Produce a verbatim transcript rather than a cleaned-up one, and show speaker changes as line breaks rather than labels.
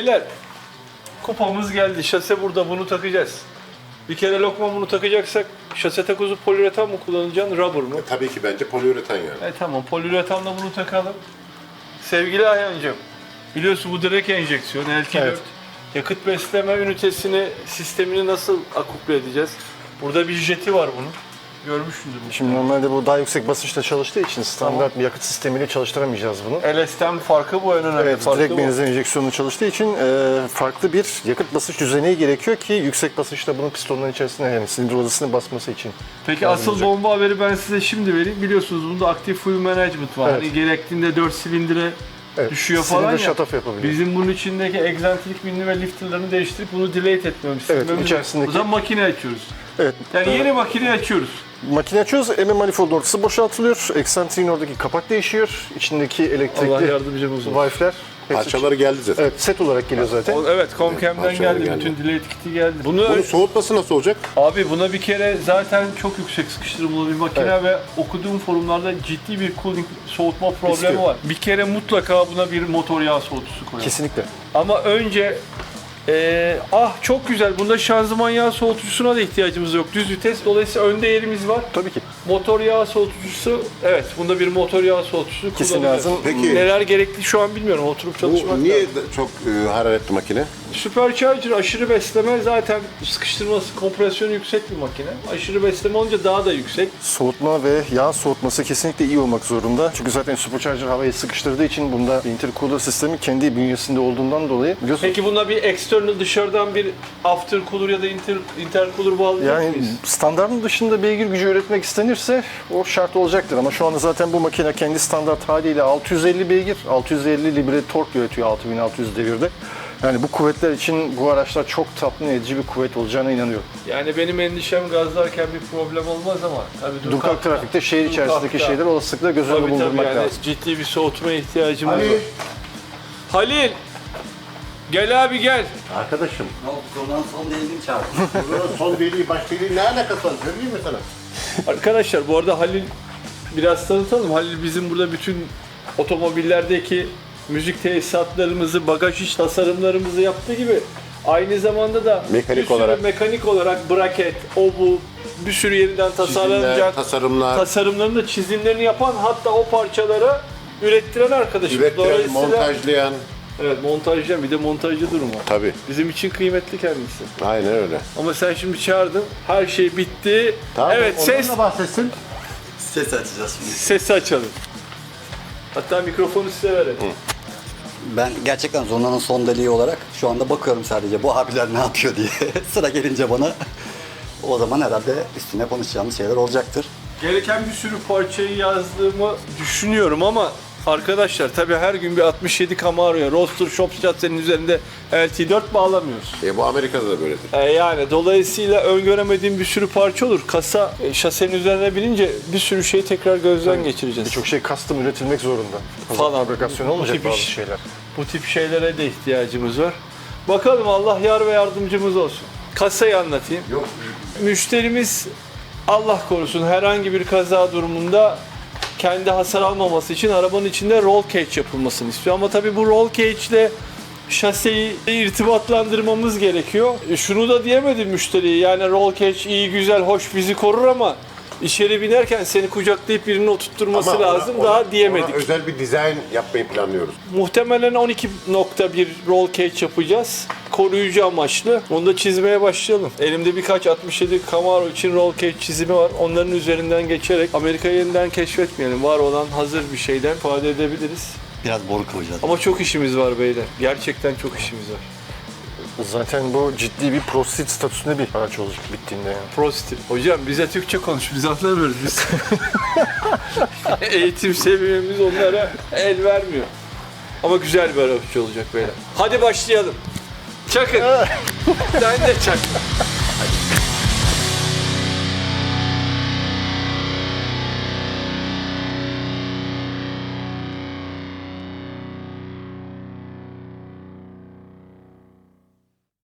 Beyler, kupamız geldi. Şase burada, bunu takacağız. Bir kere lokma bunu takacaksak şase takozu poliüretan mı kullanacaksın, rubber mı?
E, tabii ki bence poliüretan yani.
E tamam, poliüretanla bunu takalım. Sevgili Ayhancığım, biliyorsun bu direkt enjeksiyon, L T dört.
Evet.
Yakıt besleme ünitesini, sistemini nasıl akuple edeceğiz? Burada bir jeti var bunun. Görmüşsündür.
Şimdi normalde bu daha yüksek basınçla çalıştığı için standart bir yakıt sistemiyle çalıştıramayacağız bunu.
L S'ten farkı bu, en önemli
Evet,
farkı
direkt
bu.
benzin enjeksiyonu çalıştığı için e, farklı bir yakıt basınç düzeni gerekiyor ki yüksek basınçla bunun pistonların içerisine yani silindir odasını basması için.
Peki
lazım
asıl
olacak.
bomba haberi ben size şimdi vereyim. Biliyorsunuz bunda aktif fuel management var.
Evet.
Hani gerektiğinde dört silindire
Evet,
düşüyor falan
silindir
ya.
shut-off yapabiliyor.
Bizim bunun içindeki egzantrik binli ve lifterlarını değiştirip bunu delete etmemiz.
Evet,
silmemiz-
içerisindeki-
O zaman makine açıyoruz.
Evet.
Yani
e,
yeni makine açıyoruz.
makine açıyoruz, M M manifold ortası boşaltılıyor, eksantriğin oradaki kapak değişiyor, içindeki
Allah
elektrikli
yardımcımız olsun.
valfler. hepsi-
Parçaları geldi zaten.
Evet, set olarak geliyor zaten.
O- Evet, Comcam'den
parçalar
geldi,
geldi.
bütün delete kit'i geldi. Bunu
Bunun soğutması nasıl olacak?
abi buna bir kere zaten çok yüksek sıkıştırmalı bir makine
Evet.
ve okuduğum forumlarda ciddi bir cooling soğutma problemi
İstiyor.
var. Bir kere mutlaka buna bir motor yağ soğutucusu koyalım.
Kesinlikle.
Ama önce eee, ah çok güzel, bunda şanzıman yağ soğutucusuna da ihtiyacımız yok. Düz vites, dolayısıyla önde yerimiz var.
Tabii ki.
Motor yağ soğutucusu, evet bunda bir motor yağ soğutucusu
Kesin
kullanacağız.
lazım.
Peki
Neler gerekli şu an bilmiyorum, oturup çalışmak
bu niye
lazım.
de- çok e, hararetli makine?
Supercharger aşırı besleme, zaten sıkıştırması, kompresyonu yüksek bir makine. Aşırı besleme olunca daha da yüksek.
Soğutma ve yağ soğutması kesinlikle iyi olmak zorunda. Çünkü zaten supercharger havayı sıkıştırdığı için bunda intercooler sistemi kendi bünyesinde olduğundan dolayı biliyorsun.
Peki buna bir external, dışarıdan bir aftercooler ya da inter, intercooler bağlayacak
Yani
mıyız?
standartın dışında beygir gücü üretmek istenirse o şart olacaktır ama şu anda zaten bu makine kendi standart haliyle altı yüz elli beygir, altı yüz elli libre tork üretiyor altı bin altı yüz devirde. Yani bu kuvvetler için bu araçlar çok tatmin edici bir kuvvet olacağına inanıyorum.
Yani benim endişem gazlarken bir problem olmaz ama tabii
Durkak trafikte şehir içerisindeki
Durkak'ta.
şeyler olasılıkla göz önünde
Tabii tabii,
bulundurmak
yani
lazım.
ciddi bir soğutmaya ihtiyacımız
Ali.
var. Halil! Gel abi gel.
Arkadaşım.
Ne oldu? Konudan son değilini çağırdım.
Bunun son deliği baş deliği ne alakası var? Söyleyeyim mi sana?
Arkadaşlar bu arada Halil, biraz tanıtalım. Halil bizim burada bütün otomobillerdeki müzik tesisatlarımızı, bagaj iç tasarımlarımızı yaptığı gibi aynı zamanda da
Mekanik
bir sürü
olarak.
mekanik olarak braket, o bu bir sürü yeniden tasarlanacak
Çizimler, tasarımlar,
tasarımlarını da çizimlerini yapan, hatta o parçalara ürettiren arkadaşım.
ürettiren,
Dolayısıyla-
montajlayan.
Evet, montajlayan, bir de montajcı durumu.
Tabii.
Bizim için kıymetli kendisi.
Aynen öyle.
Ama sen şimdi çağırdın, her şey bitti.
Tamam,
Evet,
ondan
ses
da bahsetsin.
Ses açacağız şimdi.
sesi açalım. Hatta mikrofonu size verelim.
Ben gerçekten Zona'nın son deliği olarak şu anda bakıyorum sadece bu abiler ne yapıyor diye. Sıra gelince bana o zaman herhalde üstüne konuşacağımız şeyler olacaktır.
Gereken bir sürü parçayı yazdığımı düşünüyorum ama arkadaşlar tabii her gün bir altmış yedi Camaro'ya Roadster Shop şasenin üzerinde L T dört bağlamıyoruz.
E bu Amerika'da da böyledir.
E yani dolayısıyla öngöremediğim bir sürü parça olur. Kasa e, şasenin üzerine binince bir sürü şeyi tekrar gözden geçireceğiz.
Birçok şey custom üretilmek zorunda.
Falan.
Fabrikasyon
Bu
olmayacak
tip
bazı
iş-
şeyler.
Bu tip şeylere de ihtiyacımız var. Bakalım, Allah yar ve yardımcımız olsun. Kasayı anlatayım.
Yok.
Müşterimiz Allah korusun herhangi bir kaza durumunda kendi hasar almaması için arabanın içinde roll cage yapılmasını istiyor. Ama tabii bu roll cage ile şaseyi irtibatlandırmamız gerekiyor. E şunu da diyemedim müşteriye, yani roll cage iyi güzel hoş bizi korur ama içeri binerken seni kucaklayıp birini oturtturması
Ama ona-
lazım
ona-
daha diyemedik.
ona özel bir dizayn yapmayı planlıyoruz.
Muhtemelen on iki nokta bir roll cage yapacağız. Koruyucu amaçlı. Onu da çizmeye başlayalım. Elimde birkaç altmış yedi Camaro için roll cage çizimi var. Onların üzerinden geçerek Amerika'yı yeniden keşfetmeyelim. Var olan hazır bir şeyden ifade edebiliriz.
Biraz boru kıvıracağız.
Ama çok işimiz var beyler. Gerçekten çok işimiz var.
Zaten bu ciddi bir prosit statüsünde bir araç olacak bittiğinde yani.
Prostit. Hocam bize Türkçe konuş. Biz anlamıyoruz biz. Eğitim seviyemiz onlara el vermiyor. Ama güzel bir araç olacak beyler. Hadi başlayalım. Çakın. Sen de çak.